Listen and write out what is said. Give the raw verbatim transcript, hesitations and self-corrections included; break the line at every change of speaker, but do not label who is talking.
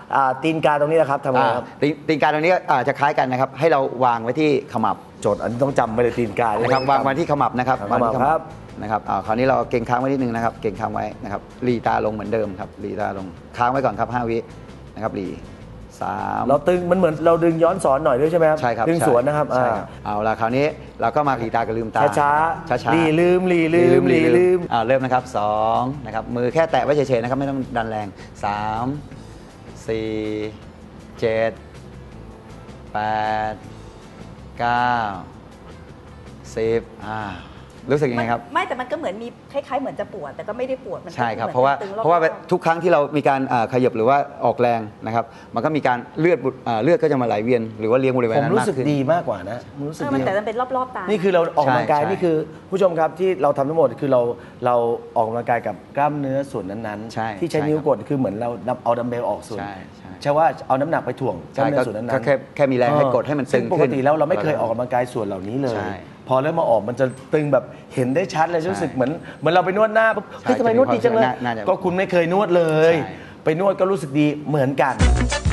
ตีนกาตรงนี้นะครับทำไงครับ
ตีนกาตรงนี้จะคล้ายกันนะครับให้เราวางไว้ที่ขมับ
โจทย์อันนี้ต้องจำไปเลยตีนกา
นะครับวางไว้ที่ขมับนะครับ
ขมับครับ
นะครับคราวนี้เราเก่งค้างไว้นิดนึงนะครับเก่งค้างไว้นะครับหลีตาลงเหมือนเดิมครับหลีตาลงค้างไว้ก่อนครับห้าวินะครับหลีสาม
เราตึงมันเหมือนเราดึงย้อนสอนหน่อยด้วยใช่ไหมครับ
ใช่ครับ
ดึงสวนนะครับ
เอาละคราวนี้เราก็มาหลีตากับลืมตา
ช้าช้าหลีลืมหลีลืมหลีลืม
เริ่มนะครับสองนะครับมือแค่แตะไว้เฉยๆนะครับไม่ต้องดันแรงสามสี่เจ็ดแปดเก้าสิบอ่ารู้สึกยังไงครับ
ไม่แต่มันก็เหมือนมีคล้ายๆเหมือนจะปวดแต่ก็ไม่ได้ปวดมัน
ใช่ครับเพราะว่าเพราะว่าทุกครั้งที่เรามีการขยับหรือว่าออกแรงนะครับมันก็มีการเลือดเลือดก็จะมาไหลเวียนหรือว่าเลี้ยงบริเวณนั้น
ผมรู้สึกดีมากกว่านะรู้สึก
ดีแต่มันเป็นรอบๆตา
นี่คือเราออกกำลังกายนี่คือผู้ชมครับที่เราทำทั้งหมดคือเราเราออกกำลังกายกับกล้ามเนื้อส่วนนั้นๆที่ใช้นิ้วกดคือเหมือนเราเอาดัมเบลออกส่วนใช่ว่าเอาน้ำหนักไปถ่วงกล้ามเนื้อส่วนนั้น
ๆแค่แค่มีแรงให้กดให้มันตึง
ปกติแล้วเราไม่เคยออกกำลังกายส่วนเหล่านี้เลยพอเริ่มมาออกมันจะตึงแบบเห็นได้ชัดเลยรู้สึกเหมือนเหมือนเราไปนวดหน้าเฮ้ยทำไมนวดดีจังเลยก็คุณไม่เคยนวดเลยไปนวดก็รู้สึกดีเหมือนกัน